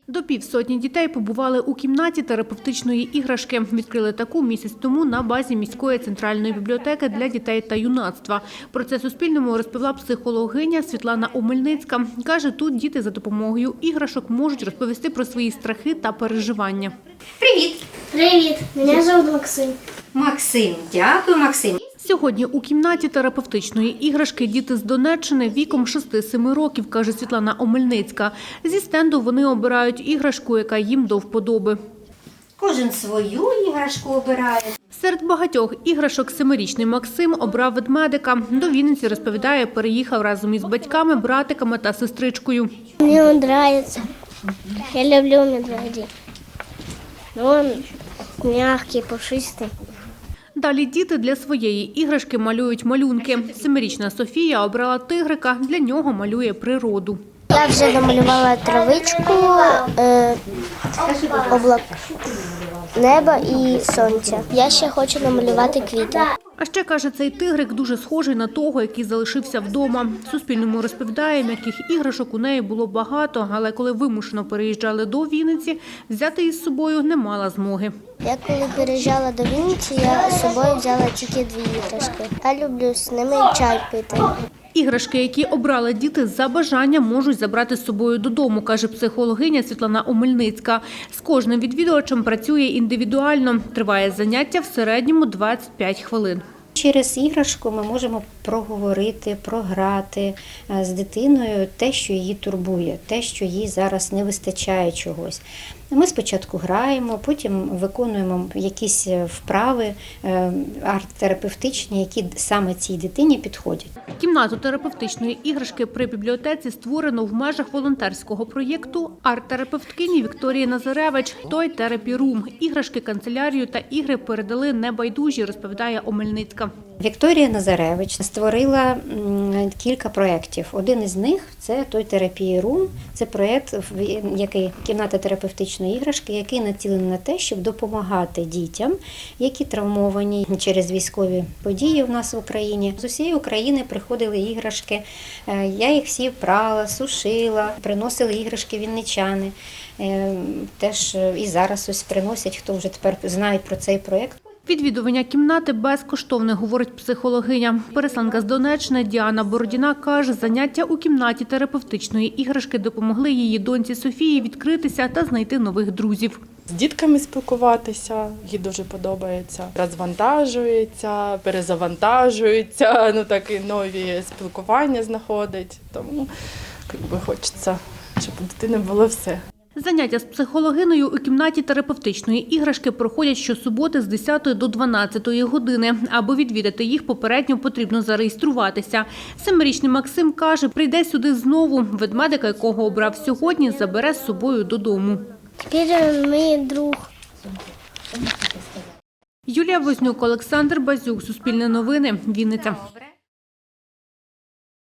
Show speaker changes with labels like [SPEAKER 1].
[SPEAKER 1] До півсотні дітей побували у кімнаті терапевтичної іграшки. Відкрили таку місяць тому на базі міської центральної бібліотеки для дітей та юнацтва. Про це Суспільному розповіла психологиня Світлана Омельницька. Каже, тут діти за допомогою іграшок можуть розповісти про свої страхи та переживання.
[SPEAKER 2] Привіт!
[SPEAKER 3] Привіт! Мене звуть Максим.
[SPEAKER 2] Максим, дякую, Максим.
[SPEAKER 1] Сьогодні у кімнаті терапевтичної іграшки діти з Донеччини віком 6-7 років, каже Світлана Омельницька. Зі стенду вони обирають іграшку, яка їм до вподоби.
[SPEAKER 2] Кожен свою іграшку обирає.
[SPEAKER 1] Серед багатьох іграшок 7-річний Максим обрав ведмедика. До Вінниці, розповідає, переїхав разом із батьками, братиками та сестричкою.
[SPEAKER 3] Мені він подобається. Я люблю медведей. Він м'який, пушистий.
[SPEAKER 1] Далі діти для своєї іграшки малюють малюнки. 7-річна Софія обрала тигрика, для нього малює природу.
[SPEAKER 3] Я вже намалювала травичку, небо і сонце. Я ще хочу намалювати квіти.
[SPEAKER 1] А ще, каже, цей тигрик дуже схожий на того, який залишився вдома. Суспільному розповідає, м'яких іграшок у неї було багато, але коли вимушено переїжджали до Вінниці, взяти із собою не мала змоги.
[SPEAKER 3] Я коли переїжджала до Вінниці, я з собою взяла тільки 2 іграшки. Я люблю з ними чай пити.
[SPEAKER 1] Іграшки, які обрали діти за бажанням, можуть забрати з собою додому, каже психологиня Світлана Омельницька. З кожним відвідувачем працює індивідуально. Триває заняття в середньому 25 хвилин.
[SPEAKER 2] Через іграшку ми можемо проговорити, програти з дитиною те, що її турбує, те, що їй зараз не вистачає чогось. Ми спочатку граємо, потім виконуємо якісь вправи арт-терапевтичні, які саме цій дитині підходять.
[SPEAKER 1] Кімнату терапевтичної іграшки при бібліотеці створено в межах волонтерського проєкту арт-терапевткині Вікторії Назаревич «Той Therapy Room». Іграшки, канцелярію та ігри передали небайдужі, розповідає Омельницька.
[SPEAKER 2] Вікторія Назаревич створила кілька проєктів. Один із них – це «Той Therapy Room». Це проєкт, який кімната терапевтичної іграшки, який націлений на те, щоб допомагати дітям, які травмовані через військові події в нас в Україні. З усієї України приходили іграшки, я їх всі прала, сушила, приносили іграшки вінничани. Теж і зараз ось приносять, хто вже тепер знають про цей проєкт.
[SPEAKER 1] Відвідування кімнати безкоштовне, говорить психологиня. Переселенка з Донеччини Діана Бородіна каже, заняття у кімнаті терапевтичної іграшки допомогли її доньці Софії відкритися та знайти нових друзів.
[SPEAKER 4] З дітками спілкуватися, їй дуже подобається. Розвантажується, перезавантажується, такі нові спілкування знаходить. Тому хочеться, щоб у дитини було все.
[SPEAKER 1] Заняття з психологинею у кімнаті терапевтичної іграшки проходять щосуботи з 10 до 12 години. Аби відвідати їх, попередньо потрібно зареєструватися. 7-річний Максим каже, прийде сюди знову. Ведмедика, якого обрав сьогодні, забере з собою додому.
[SPEAKER 3] Тепер він мій друг.
[SPEAKER 1] Юлія Вознюк, Олександр Базюк, Суспільне новини, Вінниця.